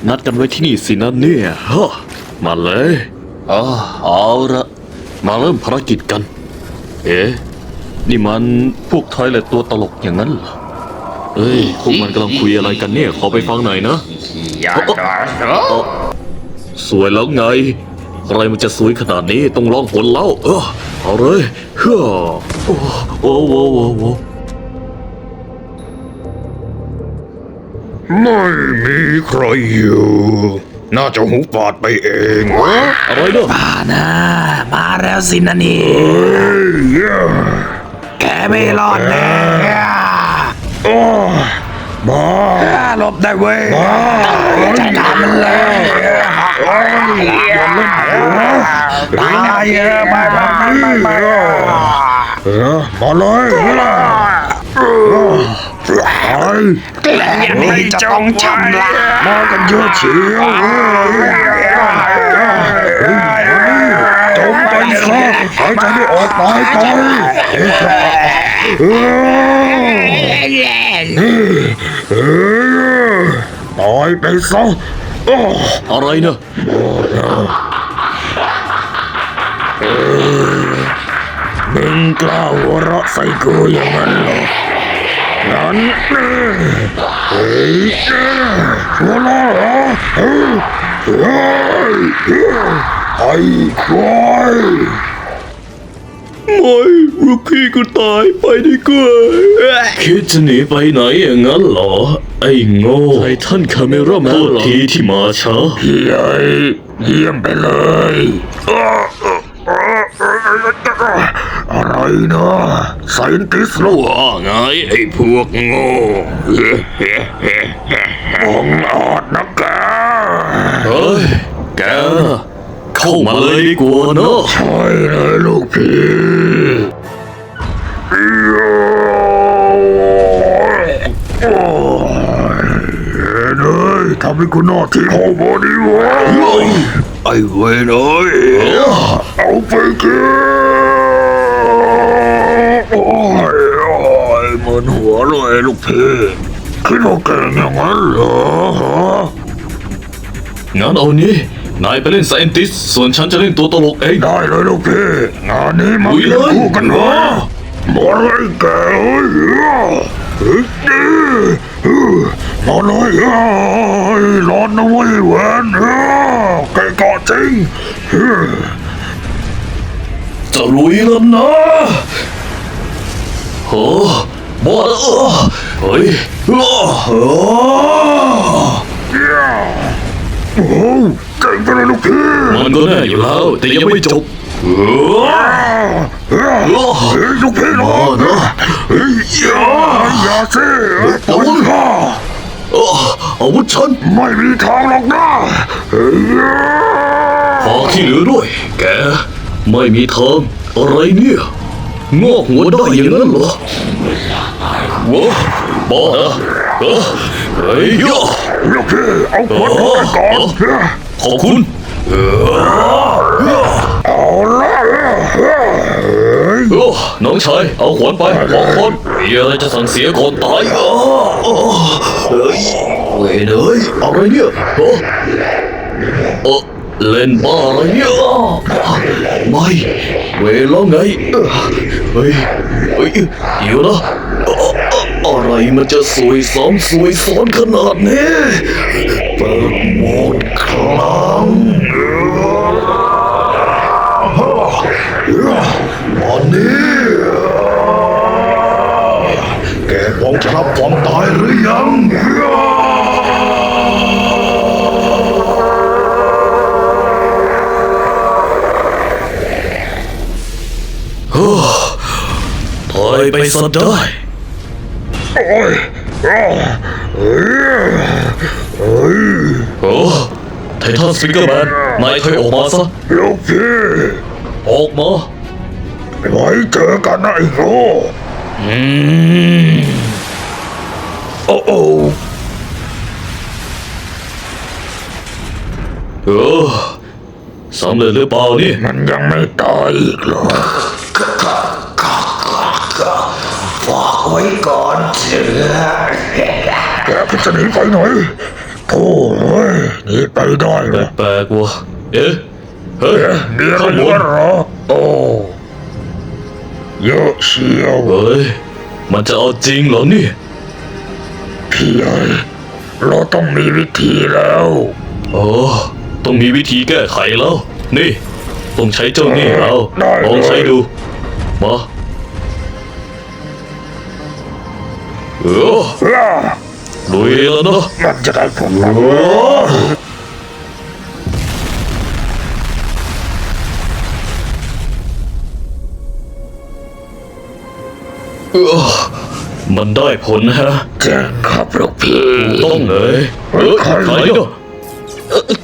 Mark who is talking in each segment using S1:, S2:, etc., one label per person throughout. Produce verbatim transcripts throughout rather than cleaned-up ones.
S1: นัดกันไว้ที่นี่สินะเนี่ยฮะมาเลยอ๋อเอาละมาเริ่มภารกิจกัน เอ๊ะนี่มันพวกทอยเลตตัวตลกอย่างนั้นเหรอเอ้ยพวกมันกำลังคุยอะไรกันเนี่ยขอไปฟังหน่อยนะสวยแล้วไงอะไรมันจะสวยขนาดนี้ต้องลองผลแล้วเออเอาเลยเฮ้อโอ้โอ้โอ้โอ้โอ้
S2: ไม่มีใครอยู่น่าจะหูปาดไปเองวะ
S1: อะไรเนาะ
S3: มานะมาแล้วสินะนี่
S2: เฮ้ย
S3: แกไม่รอดแน่
S2: โอ้บ้า
S3: หลบได้เว้ยจัดการมันเลยตายเออมามามามา
S2: เออมาเลยไอ้
S3: อย่างนี้จะต้องชำระ
S2: มากันเยอะเชียวจมไปซะหายใจไม่ออกตายไปเออตายไปซะ
S1: อะไรเนาะ
S2: มึงกล้าหัวเราะใส่กูอย่างนั้นเหรองั้นเฮ้ยหัวเราะเหรอเฮ้ยไอ้ควายไม่ลูกพี่กูตายไปดีกว่าคิดจะหนีไปไหนอย่างนั้นเหรอไอ้โง่ไททันคาเมราแมนตัวทีที่มาช้าเฮ้ยเยี่ยมไปเลยอะไรนะไซนติสรู้ว่าไงไอ้พวกโง่บังอาจนะแก
S1: เฮ้ยแกนะเข้ามาเลยดีกว่าเนาะ
S2: ใช่เลยลูกพี่โอ้ยเฮ้ยทำให้กูนอกที่เข้ามาดีวะไอ้เว้ยเอ้ยเอาไปกินโอ้ยโอ้ยมึนหัวเลยลูกพี่คิดว่าเก่งอย่างนั้นเหรอฮะ
S1: งั้นเอานี้นายไปเล่นไซเอนติสส่วนฉันจะเล่นตัวตลกเอง
S2: ได้เลยลูกพี่งานนี้มา
S1: ลุยเลย
S2: คู่กันเหรอมาเลยแกเอ้ยเฮ้ยมาเลยเอ้ยร้อนนะเว้ยแหวนเอ้ยแกกอจริง
S1: จะลุยแล้วนะโอ้บ้าเออเฮ้ยอ้อ
S2: โอ้โหเก่งไปเลยลูกพี่
S1: มันก็แน่อยู่แล้วแต่ยังไม่จบเออ
S2: เฮ้ยลูกพี่รอนะเฮ้ยอย่าอย่าสิปนข้า
S1: เอออาวุธฉัน
S2: ไม่มีทางหรอกนะเฮ้ย
S1: ฝากที่เหลือด้วย แกไม่มีทางอะไรเนี่ยงอกหัวได้อย่างนั้นเหรอว้าบ้าเหรอเออเฮ้ยย่อ
S2: ลูกพี่เอาขวดนี้ไปก่อน
S1: ขอบคุณ
S2: เอาละเฮ้ย
S1: โอ้น้องชายเอาขวานไปบอกคนมีอะไรจะสั่งเสียก่อนตายอ่ะเฮ้ยเว้ยเอ้ยอะไรเนี่ยเออเออเล่นบ้าอะไรเนี่ยไม่เวลาไงเฮ้ยเฮ้ยเดี๋ยวนะอะไรมันจะสวยซ้ำสวยซ้อนขนาดนี้เปิดโหมดครั้ง
S2: วันนี้แกพร้อมจะรับความตายหรือยัง
S1: ถอยไปซะได้
S2: โอ้ยเฮ้ยเฮ้ย
S1: โอ้ไททันสปิเกอร์แมนนายถอยออกมาซะ
S2: ลูกพี่
S1: ออกมา
S2: ไว้เจอกันนะไอ้โง่
S1: อืม
S2: โอ้โอ้
S1: เออสำเร็จหรือเปล่านี่
S2: มันยังไม่ตายอีกเหรอฝากไว้ก่อนเถอะแกจะหนีไปไหนโถ่เอ้ย
S3: ได้เหรอ
S1: แปลกๆว่ะเอ๊ะเฮ้ย
S3: มีอะไร
S1: ข้างบ
S3: เหลือน เหรอโอ้เยอะเชียว
S1: เฮ้ยมันจะเอาจริงเหรอเนี่ย
S3: พี่ใหญ่เราต้องมีวิธีแล้ว
S1: โอ้ต้องมีวิธีแก้ไขแล้ว นี่ ต้องใช้เจ้านี่เอาลองใช้ดู มาเออ
S3: ล่า
S1: ลุยแล้วเนาะ
S3: มันจะได้ผลไหม
S1: เออมันได้ผลนะฮะ
S3: เจ๋งครับลูกพี่
S1: ต้องเลยเออใครเนาะ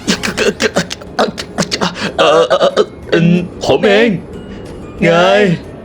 S1: เออเออเออผมเองไง